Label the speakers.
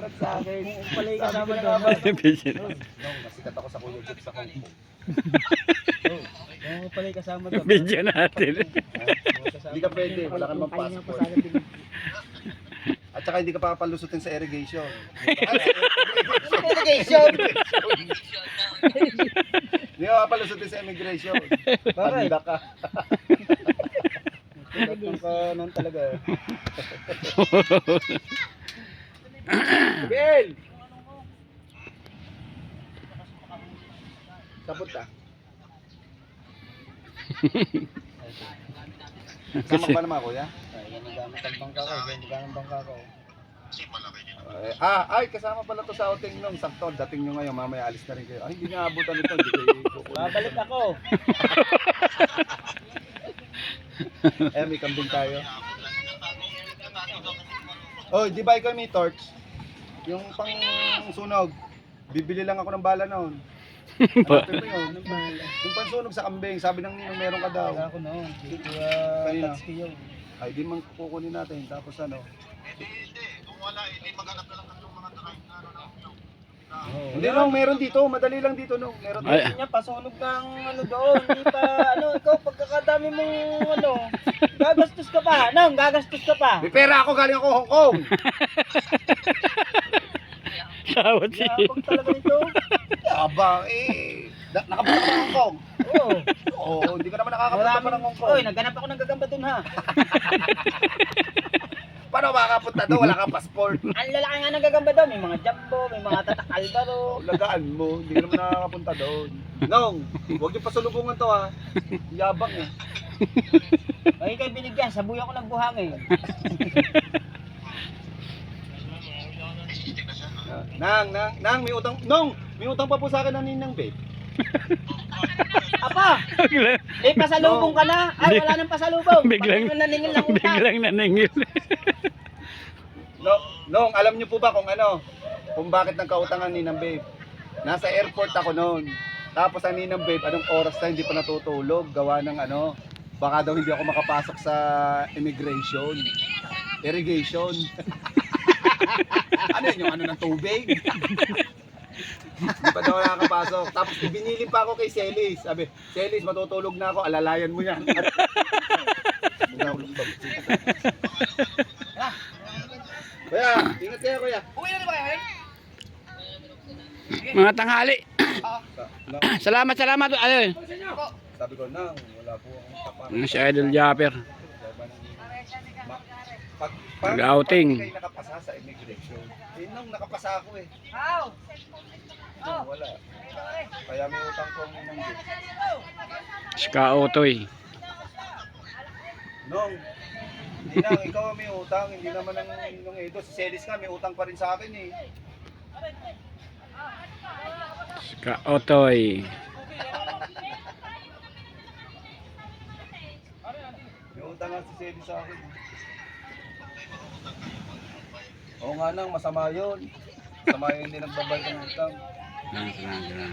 Speaker 1: Shoutout sa akin.
Speaker 2: Pala yung kasama doon.
Speaker 3: Busy na.
Speaker 1: Nung nasikat ako sa Kuya Jeep sa Hong Kong.
Speaker 2: Oo, pala yung kasama doon.
Speaker 3: Video natin.
Speaker 1: Hindi ka pwede, wala ka namang passport. At saka hindi ka papalusutin sa irrigation.
Speaker 2: Irrigation!
Speaker 1: Hindi ka papalusutin sa immigration.
Speaker 2: Bakit?
Speaker 1: Tanda ka.
Speaker 2: Tignan ka nun talaga.
Speaker 1: Bill! Sabot ka. Sama ba naman kuya?
Speaker 2: Yan ang gamit ang bangka ko. Yan ang gamit ang bangka ko.
Speaker 1: Ay, kasama pala to sa outing nung sakto. Dating nyo ngayon, mamaya alis na rin kayo. Ay, hindi nga abutan ito. Hindi kayo kukunin.
Speaker 2: Babalik ako.
Speaker 1: May kambing tayo. Oh, di ba ikaw may torch? Yung pang sunog. Bibili lang ako ng bala noon. Hanapin mo yun. Yung pansunog sa kambing, sabi ng ninong meron ka daw.
Speaker 2: Wala ko noon.
Speaker 1: Kanina?
Speaker 2: Tatski yun.
Speaker 1: Ay, di man kukunin natin. Tapos ano? Hindi nung meron dito, madali lang dito nung. Meron dito.
Speaker 3: Ay.
Speaker 2: Hindi niya, pasunog kang ano doon. Hindi pa, ano, ikaw, pagkakadami mong, ano, gagastos ka pa. Nang, gagastos ka pa.
Speaker 1: May pera ako, galing ako Hong Kong.
Speaker 3: Tawad si.
Speaker 2: Yapag talaga nito.
Speaker 1: Aba, nakapunta ka ng Hong Kong.
Speaker 2: Oo.
Speaker 1: Oo, hindi ka naman nakakapunta pa ng Hong Kong.
Speaker 2: Oy, naghanap ako ng gagamba doon ha.
Speaker 1: Paano makakapunta doon? Wala kang passport.
Speaker 2: Ang lalaki nga ng gagamba doon. May mga jumbo, may mga tatak albaro.
Speaker 1: Lagaan mo, hindi ka naman nakakapunta doon. Nong, huwag yung pasalubungan to ha. Yabang eh.
Speaker 2: Ay, kay binigyan, sabuyan ko ng buhangin.
Speaker 1: Nang, may utang, may utang pa po sa akin ng ninang babe.
Speaker 2: Apa, may pasalubong ka na. Ay, wala nang pasalubong.
Speaker 3: Biglang-
Speaker 2: Pag naningil lang utang.
Speaker 3: Biglang naningil.
Speaker 1: Nong, alam niyo po ba kung ano? Kung bakit nagkautangan ni Ninang Babe? Nasa airport ako noon. Tapos ang Ninang Babe, anong oras na hindi pa natutulog? Gawa ng ano, baka daw hindi ako makapasok sa immigration. Irrigation. Ano yun, yung ano ng tubig? Hindi pa daw nakakapasok. Tapos binili pa ako kay Celis. Sabi, Celis, matutulog na ako, alalayan mo yan. Kuya, ingat kayo kuya.
Speaker 2: Uwi na ba kayo?
Speaker 3: Mga tanghali.
Speaker 1: No,
Speaker 3: Salamat. Ayun.
Speaker 1: sabi ko, nang, wala po akong tapat.
Speaker 3: Si Idol Japper. Nag-outing.
Speaker 1: Pag kayo nakapasa sa immigration. Nung nakapasa ako eh.
Speaker 2: How?
Speaker 1: Nung wala. Kaya may utang ko ng
Speaker 3: Ska Otoy.
Speaker 1: Nung, hindi na, ikaw may utang, hindi naman nung Edo. Si Celis nga, may utang pa rin sa akin eh.
Speaker 3: Ska Otoy.
Speaker 1: May utang nga si Celis sa akin. Oo nga nang, masama yun. Masama yun, hindi nagbabayad ng utang.
Speaker 3: Lang.